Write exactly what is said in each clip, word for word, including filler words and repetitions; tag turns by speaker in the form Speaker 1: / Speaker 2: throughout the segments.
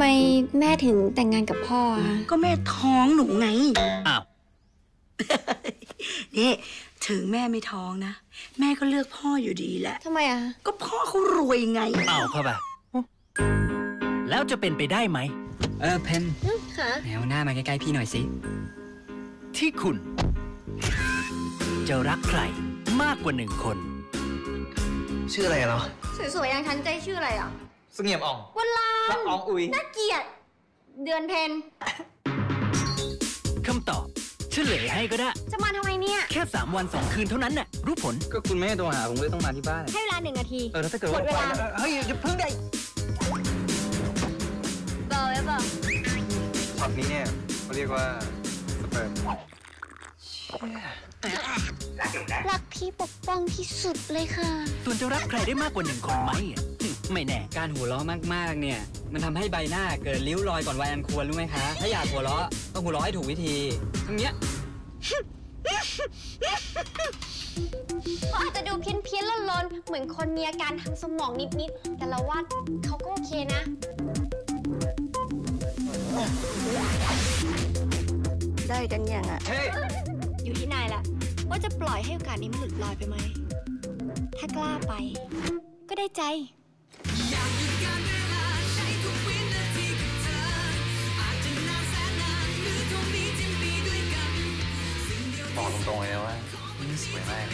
Speaker 1: ไมแม่ถึงแต่งงานกับพ่ออะ
Speaker 2: ก็แม่ท้องหนูไง
Speaker 3: อ้าว
Speaker 2: นี่ถึงแม่ไม่ท้องนะแม่ก็เลือกพ่ออยู่ดีแหละ
Speaker 1: ทำไมอ่ะ
Speaker 2: ก็พ่อเขารวยไง
Speaker 3: อ้าวเข้าไปแล้วจะเป็นไปได้ไหม
Speaker 4: เออเพน
Speaker 1: ค่ะ
Speaker 4: แนวหน้ามาใกล้ๆพี่หน่อยสิ
Speaker 3: ที่คุณจะรักใครมากกว่าหนึ่งคน
Speaker 5: ชื่ออะไรเหรอ
Speaker 1: สวยๆอย่างฉันใจชื่ออะไรอ่ะ
Speaker 5: เสงี่ยมอ่อง
Speaker 1: วันลาน
Speaker 5: อ่องอุย
Speaker 1: น่าเกลียดเดือนเพน
Speaker 3: คำตอบเฉลยให้ก็ได้
Speaker 1: จะมาทำไมเนี่ย
Speaker 3: แค่สามวันสองคืนเท่านั้นน่ะรู้ผล
Speaker 5: ก็คุณไม่ให้โทรหาผมเลยต้องมาที่บ้าน
Speaker 1: ให้เวลาหนึ่งนาที
Speaker 5: เออแล้วถ้าเกิดว่าเฮ้ยอย่าเพิ่งได้
Speaker 1: เบอร์ไว้เบอร์
Speaker 5: ช็อตนี้เนี่ยเขาเรียกว่าสเปิร์ม
Speaker 1: รักพี่ปกป้องที่สุดเลยค่ะ
Speaker 3: ส่วนจะรักใครได้มากกว่าหนึ่งคนไหมไม่แน่
Speaker 4: การหัวเราะมากๆเนี่ยมันทำให้ใบหน้าเกิดริ้วรอยก่อนวัยอันควรรู้ไหมคะถ้าอยากหัวเราะต้องหัวเราะให้ถูกวิธีทั้งเนี้ย
Speaker 1: เขาอาจจะดูเพี้ยนเพี้ยนลนๆเหมือนคนมีอาการทางสมองนิดๆแต่เราว่าเขาก็โอเคนะได้กันยังอ่ะอยู่ที่นายแหละว่าจะปล่อยให้โอกาสนี้มันหลุดลอยไปไหมถ้ากล้าไปก็ได้ใจ
Speaker 5: บอกตรงๆเลยว่านี่สวยมาก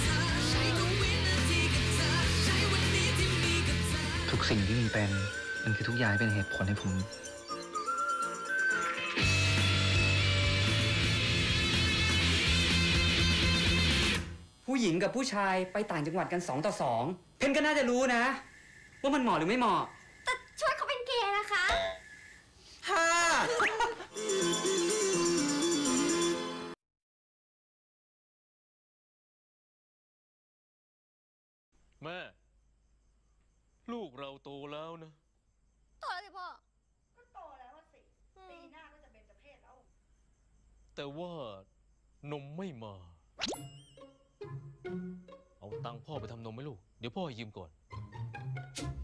Speaker 5: ทุกสิ่งที่มีเป็นมันคือทุกอย่างเป็นเหตุผลให้ผม
Speaker 4: ผู้หญิงกับผู้ชายไปต่างจังหวัดกันสองต่อสองเพนก็น่าจะรู้นะว่ามันเหมาะหรือไม่เหมาะ
Speaker 1: แต่ช่วยเขาเป็นเกย์นะคะ
Speaker 5: ฮ่า
Speaker 6: แม่ลูกเราโตแล้วนะ
Speaker 1: โตแล้วสิพ่อ
Speaker 2: ก็โตแล้วสิปีหน้าก็จะเป็นเจ้าเพศแล้ว
Speaker 6: แต่ว่านมไม่มาเอาตังค์พ่อไปทำนมไหมลูกเดี๋ยวพ่อยืมก่อน